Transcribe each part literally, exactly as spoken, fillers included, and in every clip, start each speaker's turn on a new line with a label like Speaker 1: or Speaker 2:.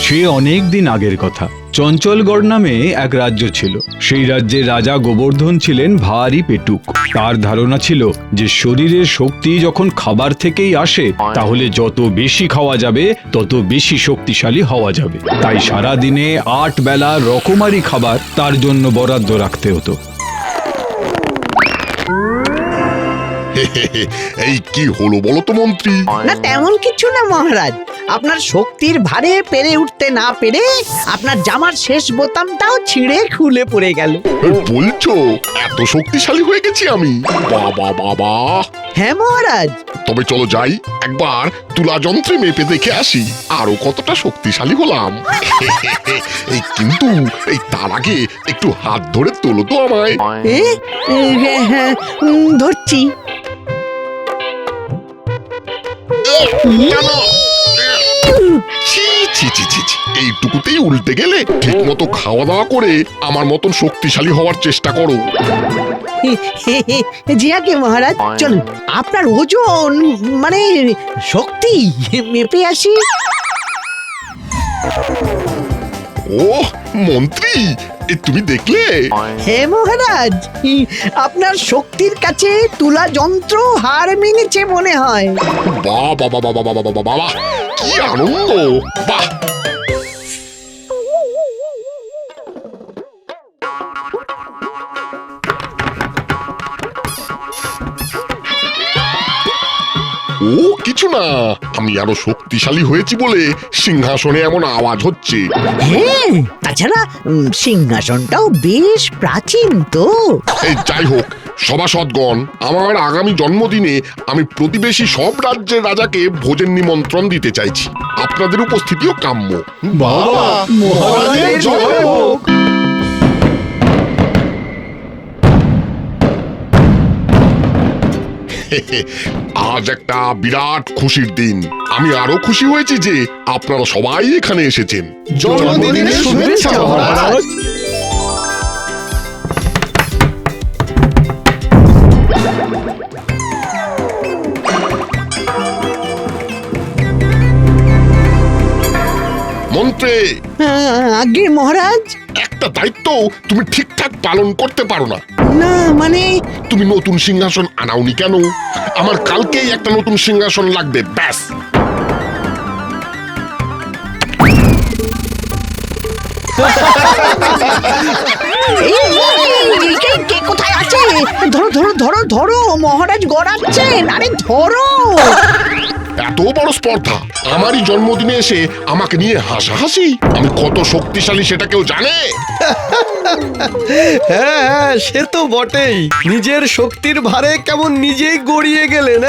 Speaker 1: সে অনেক দিন আগের কথা। চঞ্চলগড় নামে এক রাজ্য ছিল। সেই রাজ্যের রাজা গোবর্ধন ছিলেন ভারী পেটুক। তার ধারণা ছিল যে শরীরের শক্তি যখন খাবার থেকেই আসে, তাহলে যত বেশি খাওয়া যাবে তত বেশি শক্তিশালী হওয়া যাবে। তাই সারা দিনে আট বেলা রকমারি খাবার তার জন্য বরাদ্দ রাখতে হতো।
Speaker 2: এই কি হলো বলো তো মন্ত্রী?
Speaker 3: না তেমন কিছু না মহারাজ, আপনার শক্তির ভারে পেরে উঠতে না পেরে আপনার জামার শেষ বোতামটাও ছিঁড়ে খুলে পড়ে গেল।
Speaker 2: বলছো এত শক্তিশালী হয়ে গেছি আমি? বাবা বাবা!
Speaker 3: হ্যাঁ মহারাজ।
Speaker 2: তবে চলো যাই, একবার তুলা যন্ত্রে মেপে দেখে আসি আরো কতটা শক্তিশালী হলাম। এই কিন্তু এই তার আগে একটু হাত ধরে তোলো তো আমায়।
Speaker 3: এ, এ, হ্যাঁ, হ্যাঁ, উম, ধরছি।
Speaker 2: ছি ছি ছি ছি ছি, এইটুকুতেই উল্টে গেলে? ঠিক মতো খাওয়া দাওয়া করে আমার মতন শক্তিশালী হওয়ার চেষ্টা করো।
Speaker 3: জিয়াকে মহারাজ, চলুন আপনার ওজন মানে শক্তি মেপে আসি।
Speaker 2: ও মন্ত্রী, এ তুমি দেখলে?
Speaker 3: হ্যাঁ মহারাজ, আপনার শক্তির কাছে তুলা যন্ত্র হার মেনেছে মনে হয়।
Speaker 2: বাহ বাবা বাবা বাবা বাবা বাবা, কি আনন্দ! বাহ! ও কিছু না, আমি আরো শক্তিশালী হয়েছি বলে সিংহাসনে এমন আওয়াজ হচ্ছে।
Speaker 3: হ্যাঁ, তাছাড়া উম, সিংহাসনটাও বেশ প্রাচীন তো।
Speaker 2: এই যাই হোক সভাসদগণ, আমার আগামী জন্মদিনে আমি প্রতিবেশী সব রাজ্যের রাজাকে ভোজের নিমন্ত্রণ দিতে চাইছি। আপনাদের উপস্থিতিও কাম্য।
Speaker 1: বাবা, মহারাজের জয় হোক।
Speaker 2: আজ একটা বিরাট খুশির দিন। আমি আরো খুশি হয়েছি যে আপনারা সবাই এখানে এসেছেন।
Speaker 1: জন্মদিনের শুভেচ্ছা মহারাজ।
Speaker 2: মন্ত্রী,
Speaker 3: আগে মহারাজ।
Speaker 2: একটা দায়িত্ব তুমি ঠিকঠাক পালন করতে পারো না।
Speaker 3: না মানে
Speaker 2: তুমি নতুন সিংহাসন আনাওনি কেন? আমার কালকেই একটা নতুন সিংহাসন লাগবে, ব্যাস।
Speaker 3: কে কোথায় আছে? ধরো ধরো ধরো ধরো, মহারাজ গড়াচ্ছেন। আরে ধরো।
Speaker 2: এত বড় স্পর্ধা আমারই জন্মদিনে এসে আমাকে নিয়ে হাসাহাসি? আমি কত শক্তিশালী সেটা কেউ জানে?
Speaker 4: হ্যাঁ হ্যাঁ, সে তো বটেই। নিজের শক্তির ভারে কেমন নিজেই গড়িয়ে গেলেন।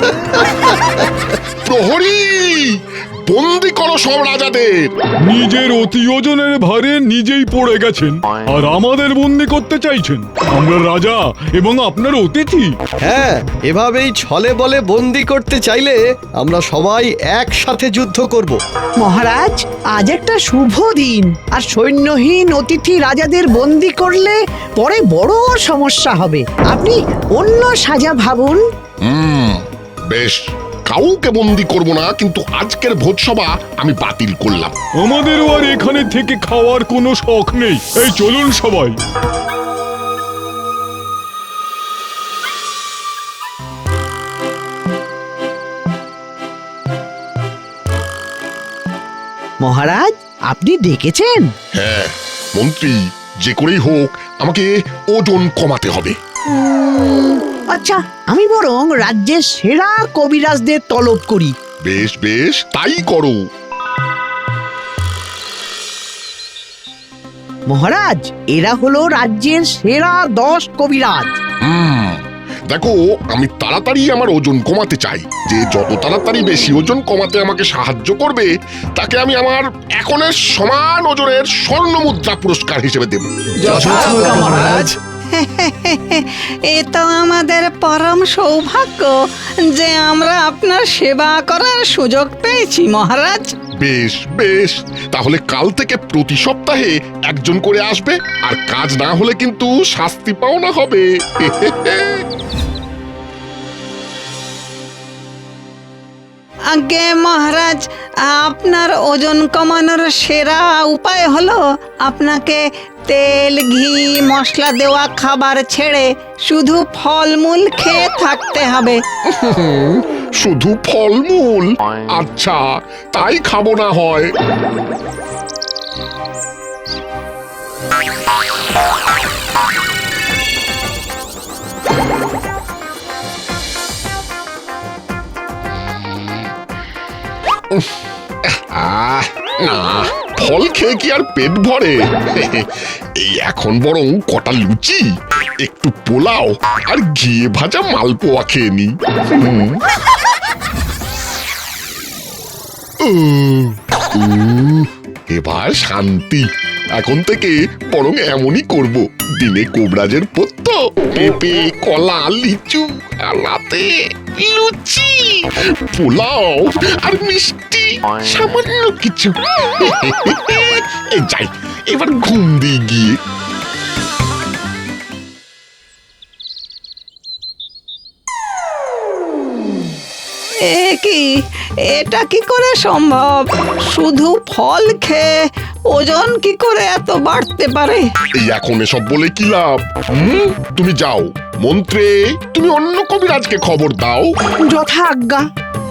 Speaker 2: প্রহরী, বন্দি করো সব রাজাদের।
Speaker 1: নিজের অতি ওজনের ভারে নিজেই পড়ে গেছেন আর আমাদের বন্দি করতে চাইছেন। আমরা রাজা এবং আপনার অতিথি।
Speaker 4: হ্যাঁ, এভাবেই ছলে বলে বন্দি করতে চাইলে আমরা সবাই একসাথে যুদ্ধ করব।
Speaker 3: মহারাজ, আজ একটা শুভ দিন, আর সৈন্যহীন অতিথি রাজাদের বন্দি করলে পরে বড় সমস্যা হবে। আপনি অন্য সাজা ভাবুন।
Speaker 2: হুম, বেশ, কাউকে বন্দি করব না, কিন্তু আজকের ভোজসভা আমি বাতিল করলাম।
Speaker 1: আমাদেরও আর এখানে থেকে খাওয়ার কোনো শখ নেই। এই চলুন সবাই।
Speaker 3: মহারাজ, আপনি ডেকেছেন?
Speaker 2: হ্যাঁ মন্ত্রী, যে করেই হোক আমাকে ওজন কমাতে হবে।
Speaker 3: উম, আচ্ছা, আমি বরং রাজ্যের সেরা কবিরাজদের তলব করি।
Speaker 2: বেশ বেশ, তাই করো।
Speaker 3: মহারাজ, এরা হলো রাজ্যের সেরা দশ কবিরাজ।
Speaker 2: হুম, দেখো, আমি তাড়াতাড়ি আমার ওজন কমাতে চাই। যে যত তাড়াতাড়ি বেশি ওজন কমাতে আমাকে সাহায্য করবে তাকে আমি আমার এখনের সমান ওজনের স্বর্ণ মুদ্রা পুরস্কার হিসেবে দেব।
Speaker 4: মহারাজ।
Speaker 5: এ তো আমাদের পরম সৌভাগ্য যে আমরা আপনার সেবা করার সুযোগ পেয়েছি মহারাজ।
Speaker 2: বেশ বেশ, তাহলে কাল থেকে প্রতি সপ্তাহে একজন করে আসবে, আর কাজ না হলে কিন্তু শাস্তি পাওনা হবে।
Speaker 5: আগে মহারাজ, আপনার ওজন কমানোর সেরা উপায় হলো আপনাকে তেল ঘি মশলা দেওয়া খাবার ছেড়ে শুধু ফলমূল খেয়ে থাকতে হবে।
Speaker 2: শুধু ফলমূল? আচ্ছা, তাই খাবো না হয়। আহ, না, ফল খেয়ে কি আর পেট ভরে? এই এখন বরং কটা লুচি, একটু পোলাও আর ঘিয়ে ভাজা মালপোয়া খেয়ে নি। এবার শান্তি। এখন থেকে বরং এমনই করব, দিনে কোবরাজের পত্য, পেঁপে কলা লিচু, আর রাতে লুচি পোলাও আর মিষ্টি, সামান্য কিছু। এই যাই, এবার ঘুম দিয়ে গিয়ে।
Speaker 5: এ কি, এটা কি করে সম্ভব? শুধু ফল খেয়ে ওজন কি করে এত বাড়তে পারে?
Speaker 2: এই এখন এসব বলে কি লাভ? হুম, তুমি যাও মন্ত্রে, তুমি অন্য কবিরাজকে খবর দাও।
Speaker 3: যথা আজ্ঞা।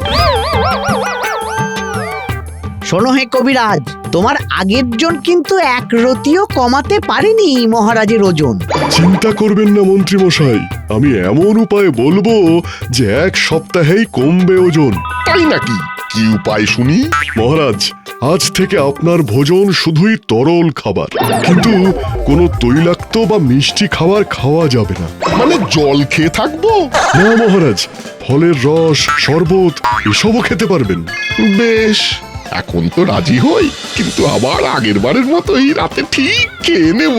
Speaker 3: শোনো হে কবিরাজ, তোমার আগের জন কিন্তু এক রতিও কমাতে পারেনি মহারাজের ওজন।
Speaker 6: চিন্তা করবেন না মন্ত্রী মশাই, আমি এমন উপায় বলবো যে এক সপ্তাহেই কমবে ওজন।
Speaker 2: তাই নাকি? কি উপায় শুনি?
Speaker 6: মহারাজ, আজ থেকে আপনার ভোজন শুধুই তরল খাবার, কিন্তু কোনো তৈলাক্ত বা মিষ্টি খাবার খাওয়া যাবে না।
Speaker 2: মানে জল খেয়ে থাকবো?
Speaker 6: না মহারাজ, ফলের রস, শরবত এসবও খেতে পারবেন।
Speaker 2: বেশ, এখন তো রাজি হই, কিন্তু আবার আগের বারের মতোই রাতে ঠিক খেয়ে নেব।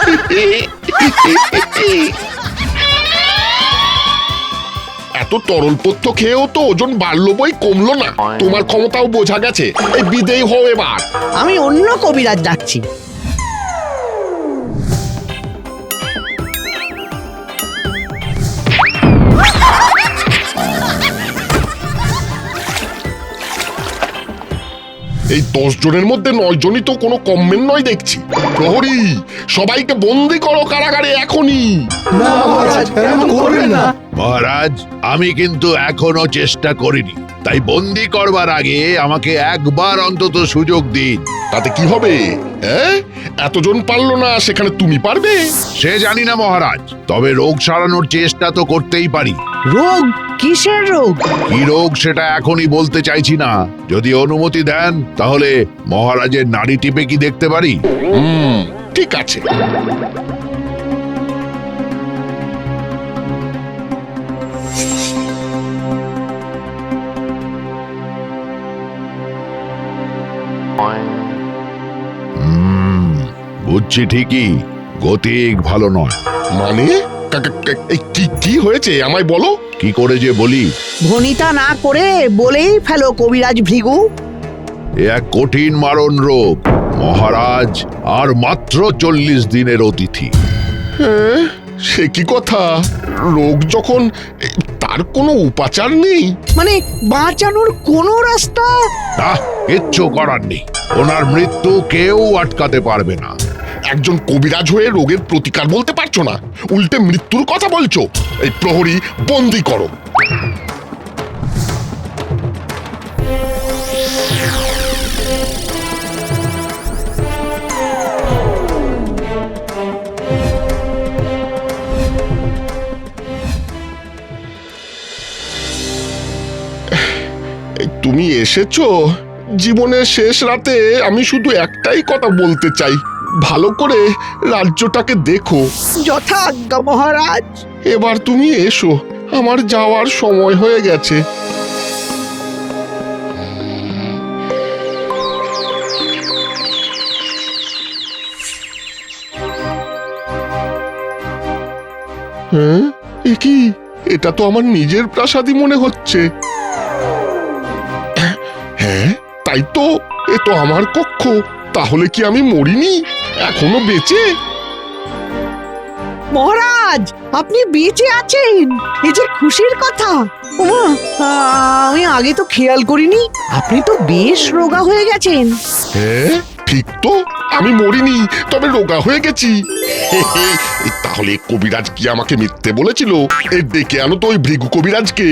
Speaker 2: এত তরল পথ্য খেয়েও তো ওজন বাড়লো বই কমলো না। তোমার ক্ষমতাও বোঝা গেছে। এই বিদেয় হও এবার।
Speaker 3: আমি অন্য কবিরাজ ডাকছি।
Speaker 2: এই দশ জনের মধ্যে নয় জনই তো কোনো কমমেন্ট নয় দেখছি। প্রহরী, সবাইকে বন্দি করো কারাগারে এখনই।
Speaker 7: মহারাজ, আমি কিন্তু এখনো চেষ্টা করিনি, তাই বন্দি করবার আগে আমাকে একবার অন্তত সুযোগ দিন।
Speaker 2: তাতে কি হবে? হ্যাঁ, এতজন পারলো না, সেখানে তুমি পারবে?
Speaker 7: সে জানি না মহারাজ, তবে রোগ সারানোর চেষ্টা তো করতেই পারি।
Speaker 3: রোগ? কিসের রোগ?
Speaker 7: কি রোগ সেটা এখনই বলতে চাইছি না। যদি অনুমতি দেন তাহলে মহারাজের নাড়ি টিপে কি দেখতে পারি?
Speaker 2: হুম, ঠিক আছে।
Speaker 7: হুম, বুঝছি ঠিকই, গতিক ভালো নয়।
Speaker 2: মানে কা- কা- এই কি কি হয়েছে আমায় বলো।
Speaker 7: কি করে যে বলি?
Speaker 3: ভনিতা না করে বলেই ফেলো কবিরাজ ভৃগু।
Speaker 7: এ এক কঠিন মারণ রোগ মহারাজ, আর মাত্র চল্লিশ দিনের অতিথি।
Speaker 2: হ্যাঁ, সে কি কথা? রোগ যখন, এ, তার কোনো উপাচার নেই?
Speaker 3: মানে বাঁচানোর কোনো রাস্তা?
Speaker 7: না, কিচ্ছু করার নেই। ওনার মৃত্যু কেউ আটকাতে পারবে না।
Speaker 2: একজন কবিরাজ হয়ে রোগের প্রতিকার বলতে পারছো না, উল্টে মৃত্যুর কথা বলছো। এই প্রহরী, বন্দি করো। এই তুমি এসেছো জীবনের শেষ রাতে। আমি শুধু একটাই কথা বলতে চাই, ভালো করে রাজ্যটাকে দেখো।
Speaker 3: যথা আজ্ঞা মহারাজ।
Speaker 2: এবার তুমি এসো, আমার যাওয়ার সময় হয়ে গেছে। হ্যাঁ, এ কি? এটা তো আমার নিজের প্রাসাদই মনে হচ্ছে। হ্যাঁ, তাই তো, এ তো আমার কক্ষ। তাহলে কি আমি মরিনি, এখনো বেঁচে?
Speaker 3: মহারাজ আপনি বেঁচে আছেন, এই যে খুশির কথা। ওমা, আমি আগে তো খেয়াল করিনি, আপনি তো বেশ রোগা হয়ে গেছেন।
Speaker 2: হ্যাঁ ঠিক তো, আমি মরিনি, তবে রোগা হয়ে গেছি। হে হে, এই তাহলে কবিরাজ কি আমাকে মিথ্যে বলেছিল? এর ডেকে আনো তো ওই ভৃগু কবিরাজকে।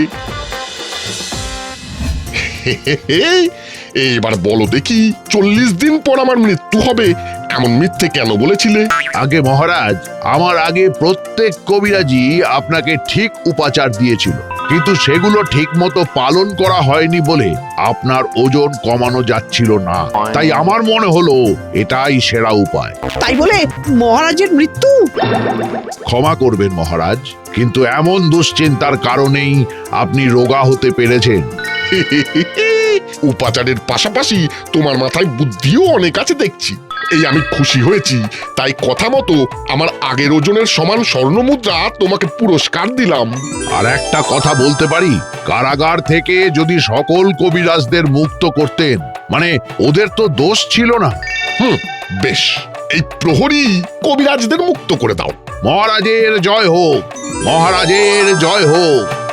Speaker 2: হে হে হে, এবার বলো দেখি, চল্লিশ দিন পর আমার মৃত্যু হবে এমন মিথ্যে কেন বলেছিলে?
Speaker 7: আগে মহারাজ, আমার আগে প্রত্যেক কবিরাজি আপনাকে ঠিক উপাচার দিয়েছিল, কিন্তু সেগুলো ঠিক মতো পালন করা হয়নি বলে আপনার ওজন কমানো যাচ্ছিল না। তাই আমার মনে হলো এটাই সেরা উপায়।
Speaker 3: তাই বলে মহারাজের মৃত্যু?
Speaker 7: ক্ষমা করবেন মহারাজ, কিন্তু এমন দুশ্চিন্তার কারণেই আপনি রোগা হতে পেরেছেন।
Speaker 2: হে হে হে হে, উপাচারের পাশাপাশি তোমার মাথায় বুদ্ধিও অনেক আছে দেখছি। এই আমি খুশি হয়েছি, তাই কথা মতো আমার আগের ওজনের সমান স্বর্ণ মুদ্রা তোমাকে পুরস্কার দিলাম।
Speaker 7: আর একটা কথা বলতে পারি, কারাগার থেকে যদি সকল কবিরাজদের মুক্ত করতেন, মানে ওদের তো দোষ ছিল না।
Speaker 2: হুম, বেশ, এই প্রহরী কবিরাজদের মুক্ত করে দাও।
Speaker 7: মহারাজের জয় হোক, মহারাজের জয় হোক।